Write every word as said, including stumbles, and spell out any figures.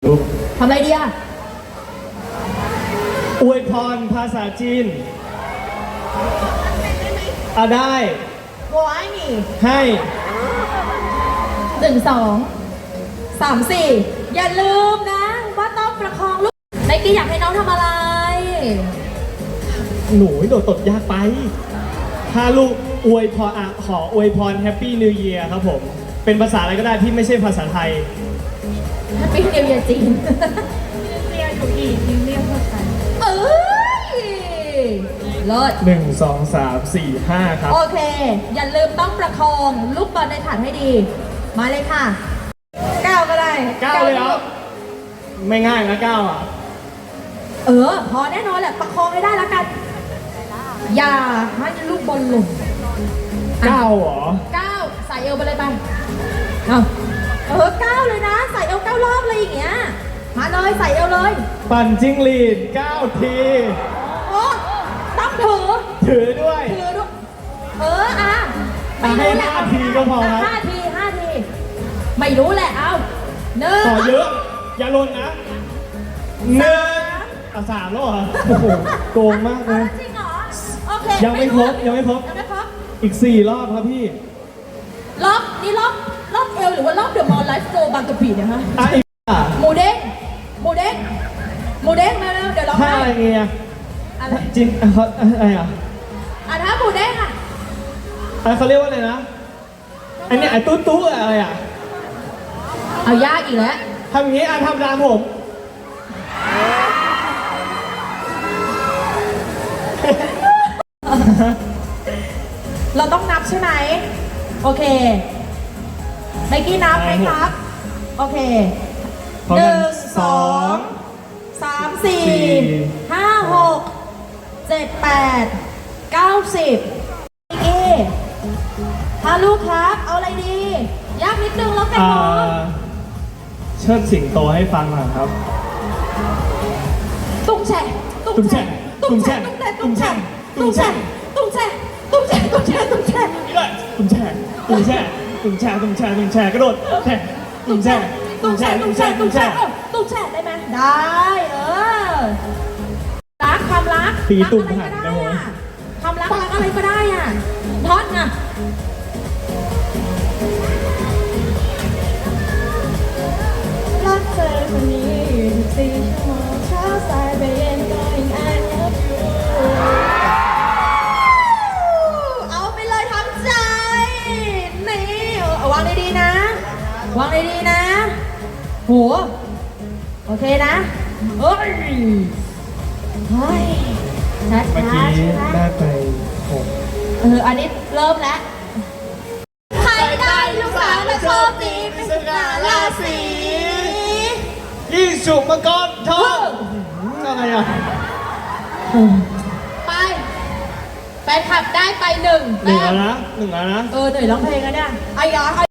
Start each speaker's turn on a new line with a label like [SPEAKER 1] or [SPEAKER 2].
[SPEAKER 1] ทำอะไรดีอะ
[SPEAKER 2] อวยพรภาษาจีนอ่ะได้
[SPEAKER 1] 我爱你
[SPEAKER 2] ให้
[SPEAKER 1] หนึ่งสองสามสี่อย่าลืมนะว่าต้องประคองลูกไนกี้อยากให้น้องทำอะไร
[SPEAKER 2] หนูโดดตดยากไปถ้าลูกอวยพรอ่ะขออวยพรแฮปปี้นิวเยียร์ครับผมเป็นภาษาอะไรก็ได้ที่ไม่ใช่ภาษาไทย
[SPEAKER 1] แฮปปี้นิวเยียร์จีน
[SPEAKER 3] เรียกถูกอีกนิวเรียกเข้าใจ
[SPEAKER 1] เอ้ยเลิศ
[SPEAKER 2] หนึ่งสองสามสี่ห้าครับ
[SPEAKER 1] โอเคอย่าลืมต้องประคองลูกบอลในฐานให้ดีมาเลยค่ะเก้าก็ได้
[SPEAKER 2] เก้าเลยเหรอไม่ง่ายนะเก้าอ่ะ
[SPEAKER 1] เออพอแน่นอนแหละประคองให้ได้แล้วกันอย่าให้ลูกบอลหล่น
[SPEAKER 2] เก้าเหรอ
[SPEAKER 1] เก้าใส่เอวไปเลยไปเอาเออเก้าเลยนะใส่เอวเก้ารอบเลยอย่างเงี้ยมาเลยใส่เอวเลย
[SPEAKER 2] ปั่นจิ้งหรีดเก้าที
[SPEAKER 1] โอ้ต้องถือ
[SPEAKER 2] ถือด้วย
[SPEAKER 1] ถือด้วยเอออ่ะ
[SPEAKER 2] ไม่รู้แหละห้าทีก็พอครับ
[SPEAKER 1] ห้าทีห้าทีไม่รู้แหละเอาหนึ่ง
[SPEAKER 2] ขอเยอะอย่าลนนะหนึ่งอ่ะสามแล้วเหรอโอ้โหโกงมากเลย
[SPEAKER 1] จริงเหรอโอเค
[SPEAKER 2] ยังไม่ครบยังไม่ครบ
[SPEAKER 1] ยังไม่ครบ
[SPEAKER 2] อีกสี่รอบครับพี่
[SPEAKER 1] รอบนี่รอบรอบเอวหรือว่ารอบเดอะมอลล์ไลฟ์โซบางกะปิเนี่ยฮะ
[SPEAKER 2] อ่ะอีกอ่ะ
[SPEAKER 1] หมูเด้งหมูเด้งหมูเด้งมาแล้วเดี๋ยวเรา
[SPEAKER 2] ท่าอะไรเงี้ยจริงเขาอะไรอ่ะ
[SPEAKER 1] อ่ะถ้าหมูเด้งอ่ะ
[SPEAKER 2] อะไรเขาเรียกว่าอะไรนะอันนี้ไอ้ตู้ตู้อะไรอ่ะ
[SPEAKER 1] เอายากอีกแล้ว
[SPEAKER 2] ทำอย่างนี้อ่ะทำตามผม
[SPEAKER 1] เราต้องนับใช่ไหมโอเคไมกี้นับไหมครับโอเคหนึ่งสองสามสี่ห้าหกเจ็ดแปดเก้าสิบไมกี้ฮาลูกครับเอาอะไรดียากนิดนึงแล้วกันเนาะ
[SPEAKER 2] เชิดสิงโตให้ฟังหน่อยครับ
[SPEAKER 1] ตุ้งแฉะ
[SPEAKER 2] ตุ้งแฉะตุ้งแฉะตุ้งแฉะ
[SPEAKER 1] ตุ้งแฉะตุ้งแฉะตุ้งแฉะตุ้งแฉะตุ้งแฉะ
[SPEAKER 2] นี่เลยตุ้งแฉะตุ้งแฉะตุ้งแฉะตุ้งแฉะตุ้งแฉะกระโดดแฉะตุ้งแฉะตุ้งแฉะตุ้งแฉะตุ้งแฉะ
[SPEAKER 1] ตุ้งแฉะได้ไหมได้เออรักความรัก
[SPEAKER 2] ตีตุ่มหันนะโว้ย
[SPEAKER 1] ความรักรักอะไรก็ได้อ่ะท่อนอ่ะรักเธอคนนี้ยี่สิบสี่ชั่วโมงเช้าสายไปเย็นก็ยัง I love you เอาไปเลยทั้งใจนี่เอาวางดีๆนะวางดีๆนะโหโอเคนะเฮ้ยเฮ้ยช้าๆ
[SPEAKER 2] เมื่อกี้ได้ไปหก
[SPEAKER 1] เอออันนี้เริ่มแล้วใครได้ลูกสาวและโชคดีเป็นสง่าราศี
[SPEAKER 2] ยี่สุมังกรทองอะไรอ่ะ
[SPEAKER 1] ไปแฟนคลับได้ไปหนึ่ง
[SPEAKER 2] หนึ่งแล้วนะหนึ่งแล้วนะ
[SPEAKER 1] เออเหนื่อยร้องเพลงแล้วเนี่ยไอ้ยา